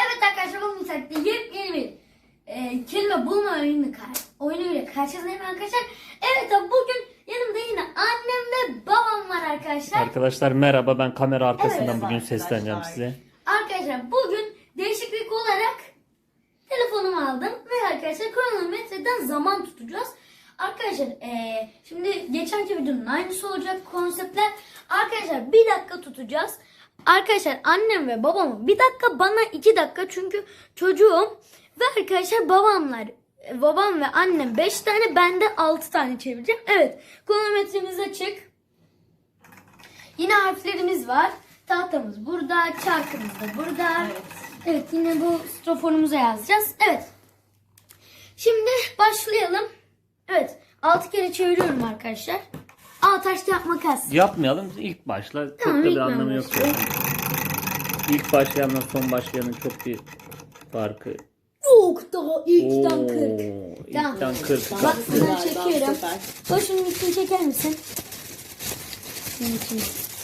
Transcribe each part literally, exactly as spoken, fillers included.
Evet arkadaşlar bugün saatte yepyeni bir e, kelime bulma oyunu, oyunuyla karşınızdayım arkadaşlar. Evet abi bugün yanımda yine annem ve babam var arkadaşlar. Arkadaşlar merhaba, ben kamera arkasından Evet, bugün arkadaşlar. sesleneceğim size. Arkadaşlar bugün değişiklik olarak telefonumu aldım ve arkadaşlar kronometreden zaman tutacağız. Arkadaşlar e, şimdi geçenki videonun aynısı olacak konseptler. Arkadaşlar bir dakika tutacağız. Arkadaşlar annem ve babamın bir dakika, bana iki dakika çünkü çocuğum. Ve arkadaşlar babamlar, babam ve annem beş tane, ben de altı tane çevireceğim. Evet, kronometremiz açık. Yine harflerimiz var. Tahtamız burada, çarkımız da burada. Evet. Evet, yine bu stroforumuza yazacağız. Evet. Şimdi başlayalım. Evet, altı kere çeviriyorum arkadaşlar. Aa, taş kağıt makas. Yapmayalım, ilk başla. Çok Tamam, da bir ilk ben anlamı yok. başlıyorum. Yani. İlk başlayanla son başlayanın çok bir farkı. Yok, daha ilkten Oo, kırk. Tamam. İlkten kırk. Bak, Süper, sana çekiyorum. süper. Başının içini çeker misin? Şunun içini.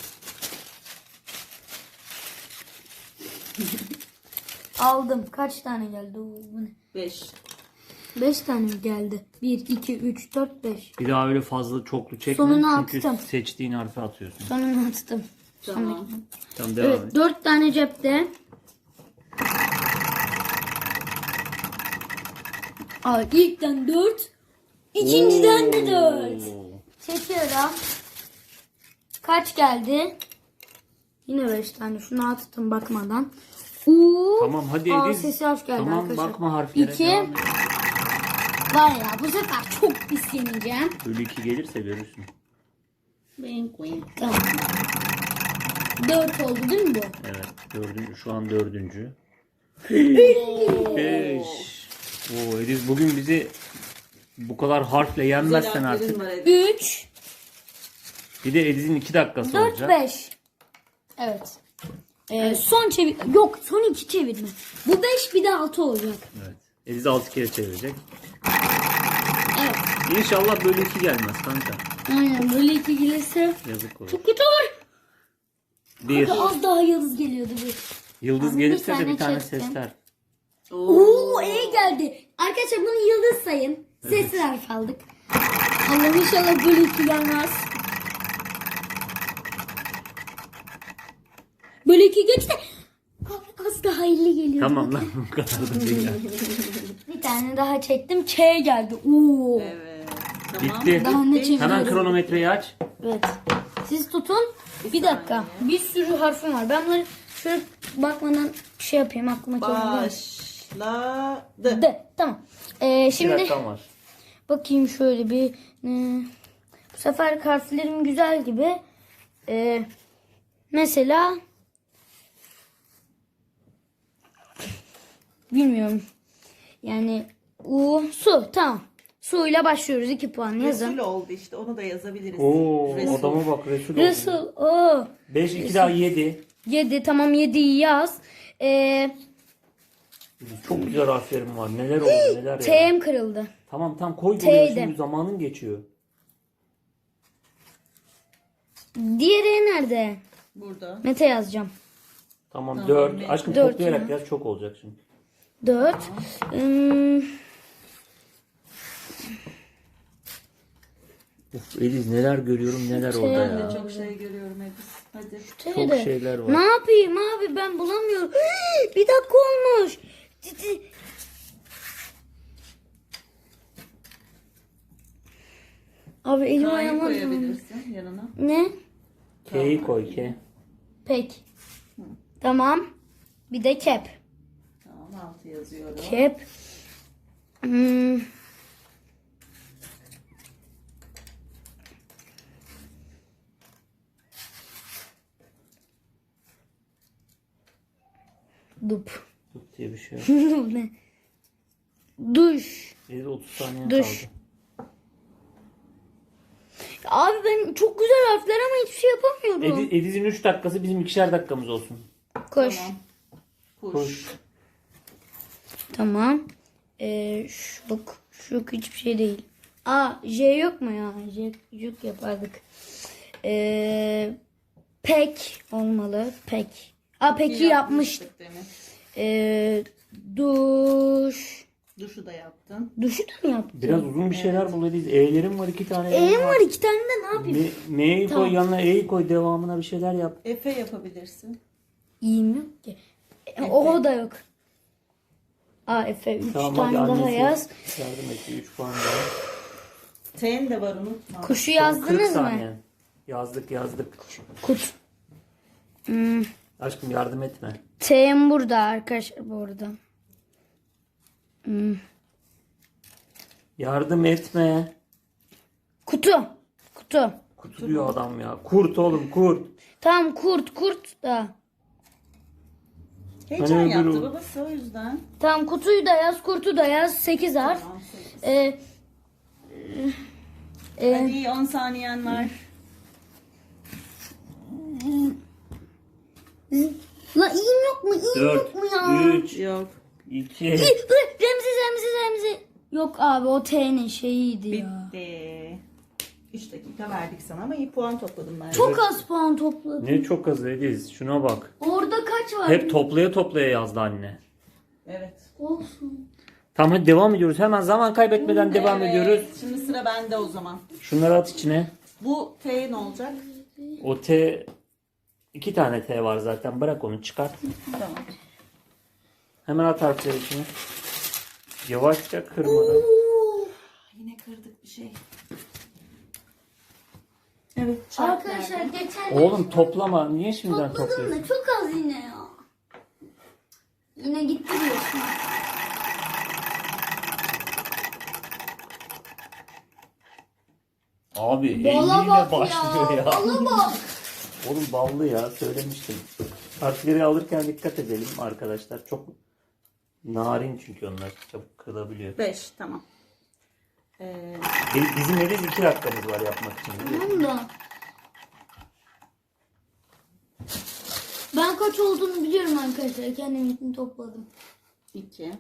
Aldım. Kaç tane geldi? Oo, bu ne? Beş. beş tane mi geldi? bir, iki, üç, dört, beş. Bir daha öyle fazla çoklu çekme. Sonuna çünkü attım. seçtiğin harfi atıyorsun. Sonunu attım. Tamam. Tamam, devam Evet, et. dört tane cepte. Aa, ilkten dört. İkinciden de dört. Oo. Çekiyorum. Kaç geldi? Yine beş tane. Şunu attım bakmadan. Oo. Tamam hadi Aa, Ediz. sesi hoş geldi Tamam, arkadaşlar. bakma harflere. İki. devam et. Var ya, bu sefer çok pis yeneceğim. Bölü iki gelirse görürsün. Wink wink. Tamam. Dört oldu değil mi bu? Evet, dördüncü, şu an dördüncü. Beş. Oo, Ediz bugün bizi bu kadar harfle yenmezsen Güzel artık. harflerin var Edis. Üç. Bir de Ediz'in iki dakikası Dört, olacak. beş. Evet. Ee, son çevir... Yok, son iki çevirme. Bu beş, bir de altı olacak. Evet. Ediz altı kere çevirecek. Evet. İnşallah böyle iki gelmez kanka. Aynen, böyle iki gelirse Yazık olur. çok kötü olur. Bir. Kanka, az daha yıldız geliyordu bu. Yıldız Abi, gelirse bir de tane bir tane çektim. sesler. Oo, E geldi. Arkadaşlar bunu yıldız sayın. Sesli harf aldık. Allah'ım inşallah böyle iki gelmez. Böyle iki geçti. Abi, az daha elli geliyor. Tamam lan, bu kadar da değil. yani. Bir tane daha çektim. K geldi. Oo. Evet. Tamam. Bitti. Daha ne çeviriyorum? Hemen kronometreyi aç. Evet. Siz tutun. Bir dakika. Bir sürü harfim var. Ben bunları şöyle bakmadan şey yapayım. Aklıma geliyor. Başladı. De. Tamam. Ee, Bir şimdi dakikam var. bakayım şöyle bir. e, bu sefer harflerim güzel gibi. Ee, mesela bilmiyorum. Yani U, su. Tamam. Su ile başlıyoruz. iki puan yazın. Resul oldu işte. Onu da yazabiliriz. Oo, Resul. adama bak, Resul oldu. Resul. Oo. beş, iki daha yedi. yedi. Tamam, yediyi yaz. Ee, Çok güzel harflerim var. Neler oldu neler ya. T'm kırıldı. Tamam tamam, koy T'ydi. buraya, şimdi zamanın geçiyor. Diğeri nerede? Burada. Mete yazacağım. Tamam, Tamam, dört. evet. Aşkım Dört toplayarak ya. yaz, çok olacak şimdi. dört. Hmm, Uf Ediz, neler görüyorum neler Şey, orada Ben ya. de çok şey görüyorum Edis. Hadi. Çok T'de. şeyler var. Ne yapayım abi, ben bulamıyorum. Bir dakika olmuş. Ciddi. Abi elim K'yı ayağıma dolandı. koyabilirsin yanına. Ne? K'yi koy, K. Pek. Tamam. Bir de kep. Tamam, altı yazıyorum. Kep. Hmm. Dup. Tut diye bir şey yok. Bu ne? Duş. Ediz otuz saniye Düş. kaldı. Abi ben çok güzel harfler ama hiçbir şey yapamıyorum. Ediz, Ediz'in üç dakikası bizim ikişer dakikamız olsun. Koş. Tamam. Kuş. Koş. Tamam. Ee, şuk. Şuk hiçbir şey değil. Aa, J yok mu ya? J, juk yapardık. Ee, pek olmalı. Pek. Aa, peki yapmıştık. Yapmıştık demek. Ee, duş. Duşu da yaptın. Duşu da mı yaptın? Biraz uzun bir şeyler bul Ediz. E'lerim var iki tane. E'm var iki tane de ne yapayım? Me- M'yi Tamam. koy yanına E'yi koy devamına bir şeyler yap. Efe yapabilirsin. İyiyim yok ki. E, o da yok. A, Efe üç Tamam tane hadi daha annesi yaz. yardım et. üç puan daha. T'in de var unutma. Kuşu kırk yazdınız mı? saniye. Yazdık yazdık. Kut. Hmm. Aşkım yardım etme. T'm burada arkadaşlar bu arada. Hmm. Yardım etme. Kutu. Kutu. Kutu diyor adam ya. Kurt oğlum kurt. Tamam kurt kurt da. Heyecan Hani yaptı öbürü- babası o yüzden. Tamam kutuyu da yaz kurtu da yaz. sekiz harf. Tamam, sekiz. Ee, e, Hadi on saniyen var. La iyiyim yok mu? İyiyim dört, yok mu ya? üç, Yok. iki. İyi, Remzi Remzi Remzi. Yok abi o T'nin şeyiydi ya. Bitti. üç dakika verdik sana ama iyi puan topladım ben. Çok az puan topladım. Ne çok az Ediz. Şuna bak. Orada kaç var? Hep toplaya toplaya yazdı anne. Evet. Olsun. Tamam hadi devam ediyoruz. Hemen zaman kaybetmeden devam Evet, ediyoruz. Şimdi sıra bende o zaman. Şunları at içine. Bu T ne olacak? O T iki tane T var zaten. Bırak onu çıkart. Tamam. Hemen at harfleri içine. Yavaşça kırmadan. Yine kırdık bir şey. Evet. çarp Arkadaşlar nerede? geçen Oğlum toplama. Niye şimdiden topladım topluyorsun? da çok az yine ya. Yine gitti diyorsun. Abi Bala elliyle bak başlıyor ya. ya. Bala bak. Oğlum ballı ya söylemiştim. Harfleri alırken dikkat edelim arkadaşlar. Çok narin çünkü onlar çabuk kırılabiliyor. beş tamam. Ee, Bi- Bizim evde iki dakikamız var yapmak için. Tamam da. Ben kaç olduğunu biliyorum arkadaşlar. Kendim için topladım. iki.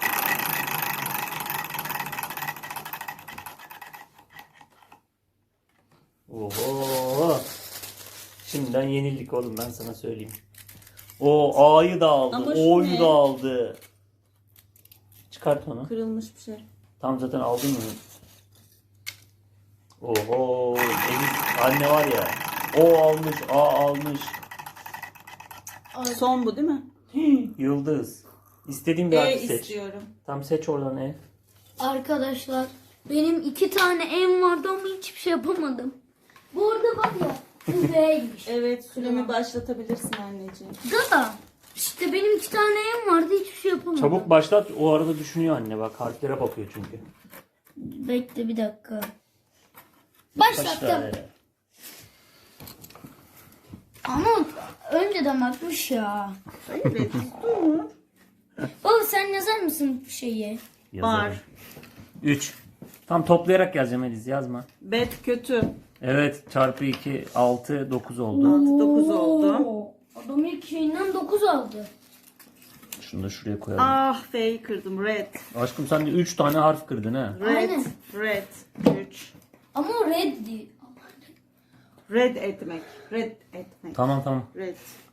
Oho. Şimdiden yenildik oğlum ben sana söyleyeyim. O A'yı da aldı. Ama şu O'yu ne? da aldı. Çıkart onu. Kırılmış bir şey. Tam zaten aldın mı? Oho. Elif anne var ya. O almış. A almış. Son bu değil mi? Yıldız. İstediğin bir E harfi seç. istiyorum. Tam seç oradan E. Arkadaşlar benim iki tane em vardı ama hiçbir şey yapamadım. Bu arada bak ya bu V'ymiş. Evet süremi başlatabilirsin anneciğim. Da işte benim iki tane em vardı hiçbir şey yapamadım. Çabuk başlat. O arada düşünüyor anne bak. Harflere bakıyor çünkü. Bekle bir dakika. Başlattım. Başla. Ama önceden bakmış ya. Evet dur. Baba sen yazar mısın bu şeyi? Var. üç. Tam toplayarak yazacağım Eliz yazma. Bet kötü. Evet çarpı iki altı dokuz oldu. altı dokuz oldu. Oo, adam ilk şeyinden dokuz aldı. Şunu da şuraya koyalım. Ah F'yi kırdım. Red. Aşkım sen de üç tane harf kırdın ha. Red. Aynen. Red. üç. Ama o red değil. Red etmek. Red etmek. Tamam tamam. Red.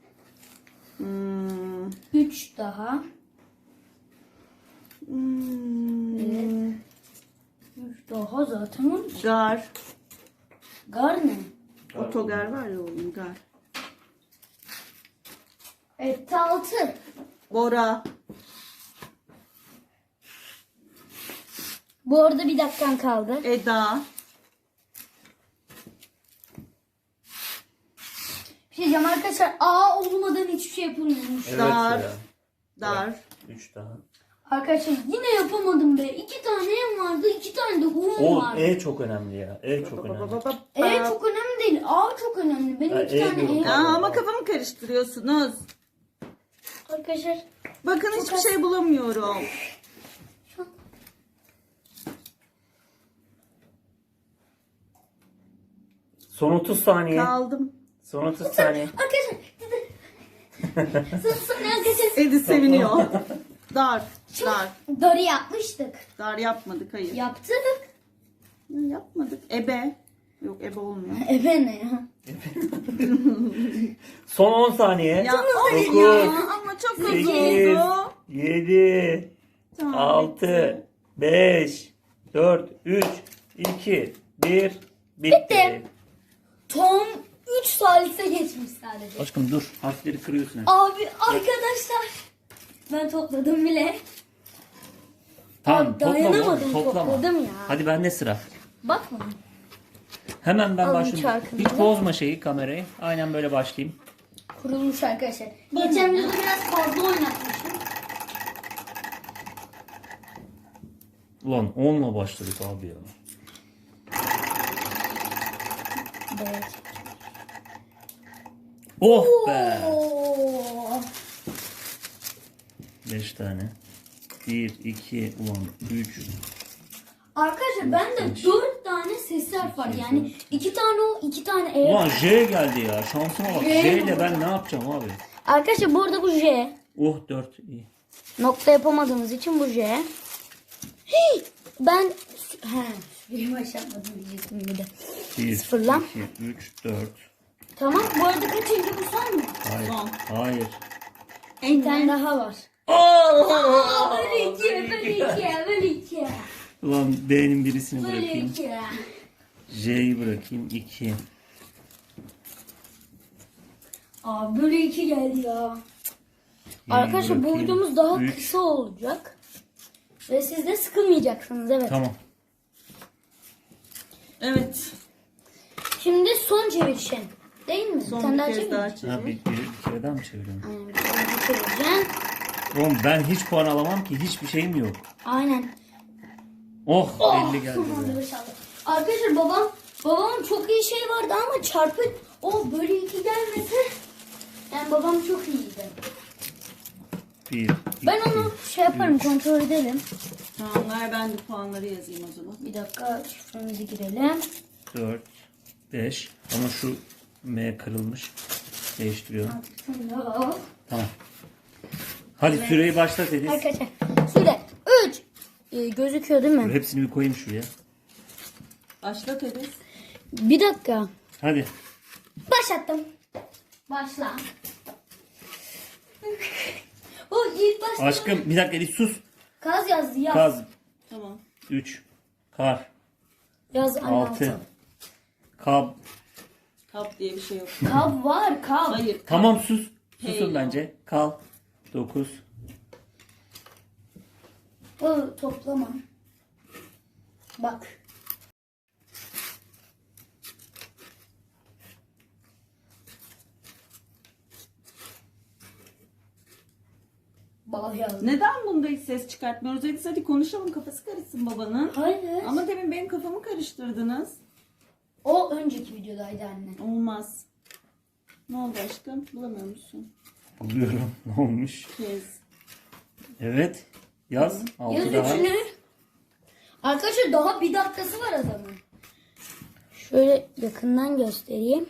Hmm. üç daha. Hmm. Evet. üç daha zaten on. Gar. Gar ne? Otogar var ya oğlum gar. Etti altı. Bora. Bu arada bir dakikan kaldı. Eda. Bir şey diyeceğim arkadaşlar. A olmadan hiçbir şey yapılmıyormuş. Evet Dar. ya. Dar. üç daha. Arkadaşlar yine yapamadım be. İki tane em vardı. iki tane de um Oğlum vardı. E çok önemli ya. E çok Ba, ba, önemli. ba, ba, E ba. çok önemli değil. A çok önemli. Benim Ha, iki E tane diyorum. em. Aa, ama kafamı karıştırıyorsunuz. Arkadaşlar Bakın Çok hiçbir az. şey bulamıyorum. Son otuz saniye. Kaldım. Son otuz saniye. arkadaşlar. Sus sus arkadaşlar. Edi seviniyor. Dar. Dar. Darı yapmıştık. Dar yapmadık hayır. Yaptık. Yapmadık. Ebe. Yok ebe olmuyor. Ebe ne ya? Son on saniye. Ya, dokuz, ya ama çok hızlı sekiz, oldu. yedi, Tamam, altı, bitti. beş, dört, üç, iki, bir. Bitti. Tam üç salise geçmiş sadece. Aşkım dur. Harfleri kırıyorsun. hep. Abi arkadaşlar. Ben topladım bile. Tamam Abi, toplama. dayanamadım, oğlum, Toplama. topladım ya. Hadi bende sıra. Bakma. Hemen ben Alın başlayayım. çarkını Hiç da. bozma şeyi kamerayı. Aynen böyle başlayayım. Kurulmuş arkadaşlar. Geçen videoda biraz fazla oynatmışım. Ulan onla başladık abi ya. Evet. Oh be. Oo. beş tane. bir, iki, ulan üç. Arkadaşlar bende dört tane sesli harf var. Yani iki tane o, iki tane E. Ulan J geldi ya. Şansıma bak. J J ile ben ne yapacağım abi? Arkadaşlar bu arada bu J. Oh dört iyi. Nokta yapamadığımız için bu J. Hey, ben he, bir başlamadım diyecektim bir de. bir, Sıfırla. iki, üç, dört. Tamam bu arada kaçıncı bu son mu? Hayır. Son. Hayır. Bir tane daha var. Oh! Böyle iki, böyle iki, böyle iki. Ulan B'nin birisini Böyle bırakayım. iki. J'yi bırakayım. iki. Aa böyle iki geldi ya. Y'yi Arkadaşlar bu bırakayım. videomuz daha Üç. kısa olacak. Ve siz de sıkılmayacaksınız evet. Tamam. Evet. Şimdi son çevirişin. Değil mi? Son Sen daha bir kez çevir. daha Ha, çevir. bir, bir, bir kere daha mı çeviriyorum? Aynen bir kere daha çevireceksin. Oğlum ben hiç puan alamam ki. Hiçbir şeyim yok. Aynen. Oh, Oh, elli geldi. hadi be. inşallah. Arkadaşlar babam babamın çok iyi şey vardı ama çarpı o böyle iki gelmesi yani babam çok iyiydi. bir, iki, Ben onu şey yaparım üç. kontrol edelim. Tamam ver ben de puanları yazayım o zaman. Bir dakika şifremizi girelim. dört, beş. Ama şu M kırılmış. Değiştiriyorum. Tamam. Hadi süreyi başlat Ediz. Arkadaşlar süre üç ee, gözüküyor değil mi? Hepsini bir koyayım şuraya. Başlat Ediz. Bir dakika. Hadi. Başlattım. Başla. O ilk başta Aşkım bir dakika Ediz sus. Kaz yazdı yaz. Kaz. Tamam. üç. Kar. Yaz anne altı. altı. Kab. Kap diye bir şey yok. Kab var kab. Hayır. kap. Tamam sus. Hey Susun ya. bence. Kal. dokuz. O toplama. Bak. Bal yazdı. Neden bunda hiç ses çıkartmıyoruz? Ediz hadi konuşalım kafası karışsın babanın. Hayır. Ama demin benim kafamı karıştırdınız. O önceki videodaydı anne. Olmaz. Ne oldu aşkım? Bulamıyor musun? Buluyorum. Ne olmuş? Kez. Evet. Yaz. altı Yaz daha. üçünü. Arkadaşlar daha bir dakikası var adamın. Şöyle yakından göstereyim.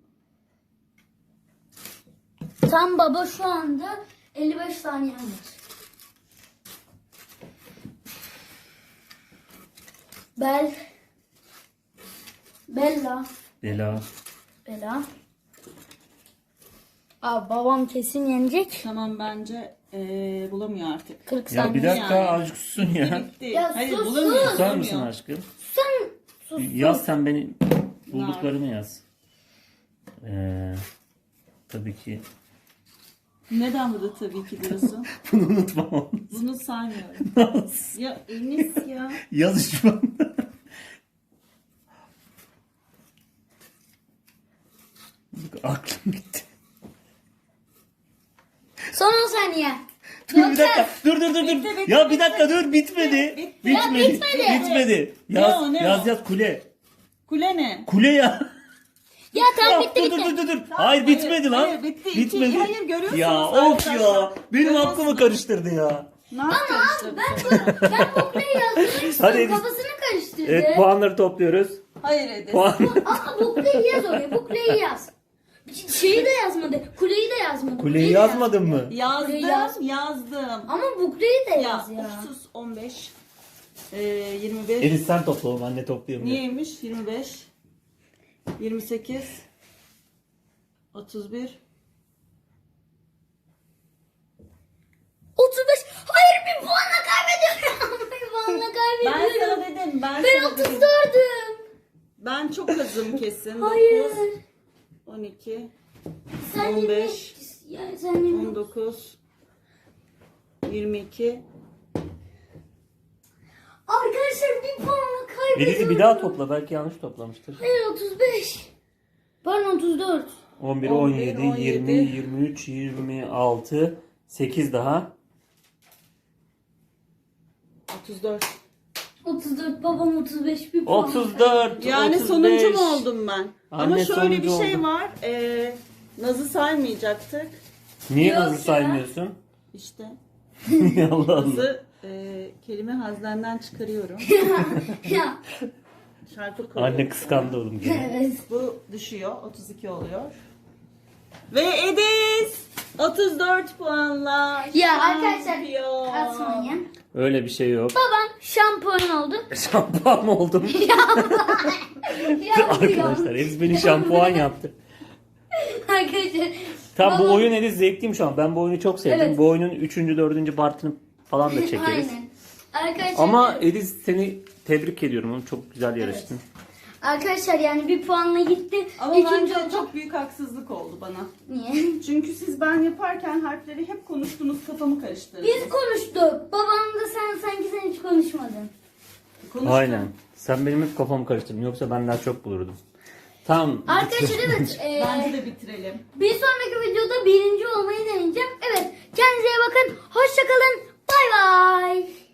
Tam baba şu anda elli beş saniye var. Bel. Bella. Bela. Bela. Aa, babam kesin yenecek. Tamam bence ee, bulamıyor artık. kırk Ya bir saniye. dakika Yani. azıcık susun ya. Bitti. Ya Hayır sus, bulamıyor. sus. Susar mısın bulamıyor. aşkım? Sen sus. Yaz sen beni bulduklarımı yaz. Ee, tabii ki. Neden burada tabii ki diyorsun? Bunu unutmam. Bunu saymıyorum. Nasıl? Ya Enis ya. Yaz şu anda. Bak, aklım gitti. Son on saniye. Dur bir dakika. Dur dur dur dur. Bitti, bitti, ya bir bitti. dakika dur bitmedi. Bitti. Bitmedi. Ya bitmedi. Bitmedi. Yaz Ne o, ne yaz o? yaz kule. Kule ne? Kule ya. Ya tamam Ya, bitti dur, bitti. dur dur dur. Tamam, hayır hayır, bitmedi lan. hayır, bitti. İki- Bitmedi. hayır, görüyorsunuz ya of arkadaşlar. ya. Benim Görüyorsunuz. aklımı karıştırdı ya. Ne yapıyorsun? Ben bu ben bu kuleyi yazdım. Hadi Ediz. Kafasını karıştırdı. Evet puanları topluyoruz. Hayır Ediz. Puan. Aa, bu kuleyi yaz oraya. Bu kuleyi yaz. Şeyi de yazmadı. Kuleyi de yazmadı. Kuleyi yazmadın mı? Yazdım, Yaz. yazdım. Ama bu kuleyi de Ya, yaz ya. of sus on beş. Ee, yirmi beş. Ediz sen topla oğlum anne toplayayım. diye. Niyeymiş? yirmi beş. yirmi sekiz, otuz bir, otuz beş. Hayır, bir puanla kaybediyorum. bir puanla ben kaybediyorum. sana dedim, ben, Ben sana otuz dedim. dördüm. Ben çok azım kesin. Hayır. dokuz, on iki, Sen on beş, yirmi- yani sen yirmi- on dokuz, yirmi iki. Arkadaşlar bir puanla kaybediyorum. Birisi bir daha topla. Belki yanlış toplamıştır. Hayır, otuz beş. Pardon, otuz dört. on bir, on on bir, yedi, on yirmi, yedi. yirmi üç, yirmi altı, sekiz daha. otuz dört. otuz dört, babam otuz beş, bir puan. otuz dört, Yani otuz beş. sonuncu mu oldum ben? Ama Anne şöyle bir sonuncu şey oldu. var. Ee, Naz'ı saymayacaktık. Niye Yok Naz'ı ya. saymıyorsun? İşte Allah Allah. Naz'ı e, kelime haznenden çıkarıyorum. ya. Şarkı koyuyorum. Anne kıskandı oğlum gene. Evet. Bu düşüyor. otuz iki oluyor. Ve Ediz otuz dört puanla Ya arkadaşlar, şampiyon. atmayın. Öyle bir şey yok. Babam şampuan oldu. Şampuan mı oldum? Arkadaşlar Ediz beni şampuan yaptı. Arkadaşlar. Tamam bu babam- oyun Ediz zevkliymiş şu an. Ben bu oyunu çok sevdim. Evet. Bu oyunun üçüncü, dördüncü partını falan da çekeriz. Aynen. Arkadaşlar, Ama Ediz seni tebrik ediyorum. Oğlum. Çok güzel yarıştın. arkadaşlar yani bir puanla gitti. Ama İkinci bence oldu. çok büyük haksızlık oldu bana. Niye? Çünkü siz ben yaparken harfleri hep konuştunuz, kafamı karıştırdınız. Biz konuştuk. Babam da sen sanki sen hiç konuşmadın. Konuştum. Aynen. Sen benim hep kafamı karıştırdın. Yoksa ben daha çok bulurdum. Tamam. Arkadaşlar evet. e, Bence de bitirelim. bir sonraki videoda birinci olmayı deneyeceğim. Evet. Kendinize iyi bakın. Hoşçakalın. Bay bay.